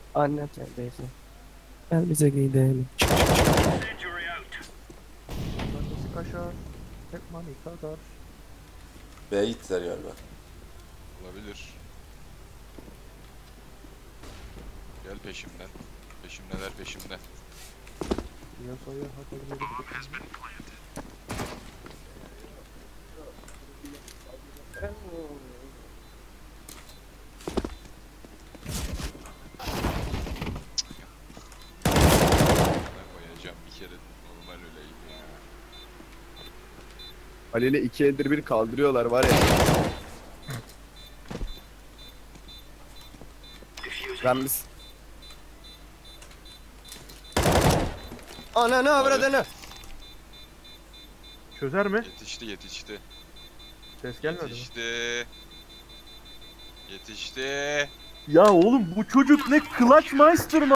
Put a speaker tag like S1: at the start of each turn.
S1: Annem sendeyse. Gel bize gidelim.
S2: Nasıl kaşar? Tek mani kadar.
S3: B'ye gittiler galiba.
S4: Olabilir. Gel peşimden. Peşimdeler peşimde.
S2: Piyasaya haberleri tutun.
S4: Bana koyacağım bir kere normal öleyim ya.
S5: Halil'i 2 eldir bir kaldırıyorlar var ya. Ben biz...
S1: Ananı avradını.
S2: Çözer mi?
S4: Yetişti yetişti.
S2: Ses gelmedi mi?
S4: Yetişti. Yetişti.
S2: Ya oğlum bu çocuk ne Clutch Meister mı?